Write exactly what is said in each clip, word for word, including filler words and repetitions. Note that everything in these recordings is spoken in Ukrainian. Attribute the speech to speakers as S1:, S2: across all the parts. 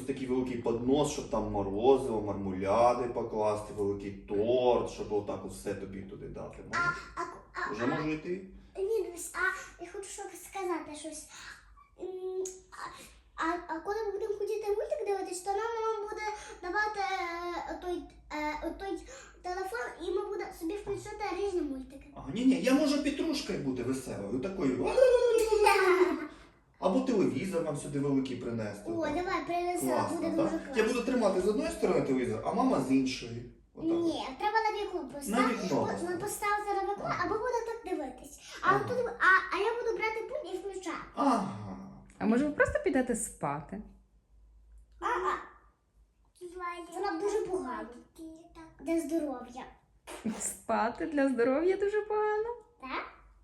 S1: такий великий поднос, щоб там морозиво, мармуляди покласти, великий торт, щоб отак все тобі туди дати.
S2: А,
S1: Можна?
S2: а, а,
S1: Вже можу йти?
S2: Ні, дивись, а я хочу щоб сказати щось. М, А, а, а коли ми будемо хотіти мультик дивитись, то нам мама буде давати е, той, е, той телефон, і ми будемо собі включати різні мультики.
S1: А, ні, ні, я можу петрушкою бути веселою, такою. Або телевізор нам сюди великий принести.
S2: О,
S1: отак.
S2: давай, принесла,
S1: Класно,
S2: буде
S1: так?
S2: дуже класно.
S1: Я буду тримати з одної сторони телевізор, а мама з іншої. Отак.
S2: Ні, треба на вікно
S1: На
S2: поставити.
S1: вікно.
S2: Ми поставити на вікно, або буде так дивитись. А,
S1: Ага.
S2: тут, а, а я буду брати пульт і включати.
S1: Ага.
S3: А може ви просто підете спати?
S2: А, а. Це нам дуже погано. Для здоров'я.
S3: Спати для здоров'я дуже погано.
S2: Так?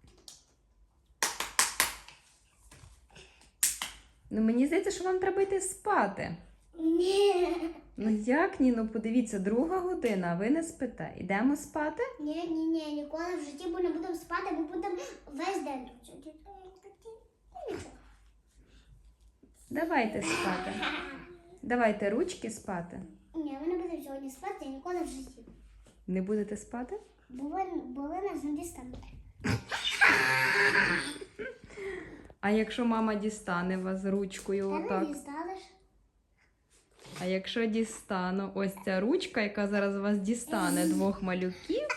S3: Ну мені здається, що вам треба йти спати.
S2: Ні.
S3: Ну як ні? Ну подивіться, друга година, а ви не спите. Ідемо спати?
S2: Ні, ні, ні, ніколи в житті ми не будемо спати, ми будемо весь день тут сидіти. Нічого.
S3: Давайте спати. Давайте ручки спати.
S2: Ні, ми не будемо сьогодні спати, ніколи в житті.
S3: Не будете спати?
S2: Бо ви, бо ви нас не дістанете.
S3: А якщо мама дістане вас ручкою
S2: Та не
S3: отак?
S2: дістанеш.
S3: А якщо дістану ось ця ручка, яка зараз вас дістане двох малюків,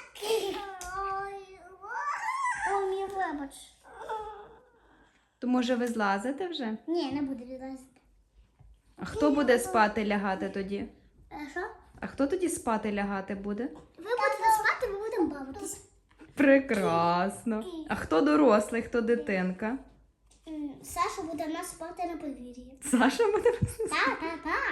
S2: О, мій вибач.
S3: то може ви злазите вже?
S2: Ні, не буду відлазити.
S3: А хто буде спати лягати тоді?
S2: А що?
S3: А хто тоді спати лягати буде?
S2: Ви будете спати, ми будемо бавитися.
S3: Прекрасно. А хто дорослий, хто дитинка?
S2: М, Саша буде в нас спати на подвір'ї.
S3: Саша буде?
S2: Так, так, так.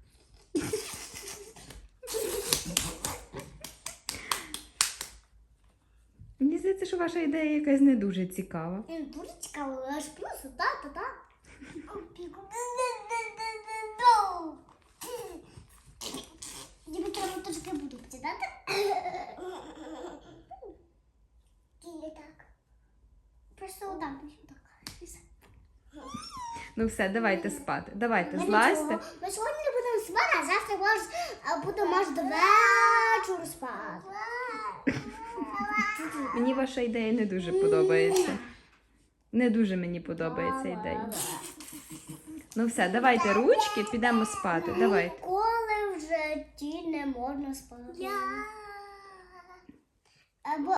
S3: Мені здається, що ваша ідея якась не дуже цікава.
S2: Він дуже цікаво, аж плюс, так, так, так. Тобі треба трошки буду потідати. Так. Просто отак, так.
S3: Ну все, давайте спати. Давайте,
S2: Ми
S3: злазьте.
S2: нічого. Ми сьогодні не будемо спати, а завтра може, а будемо аж до вечора спати.
S3: Мені ваша ідея не дуже подобається. Не дуже мені подобається ідея. Ну все, давайте ручки, підемо спати. Давайте.
S2: Ніколи в житті не можна спати. Або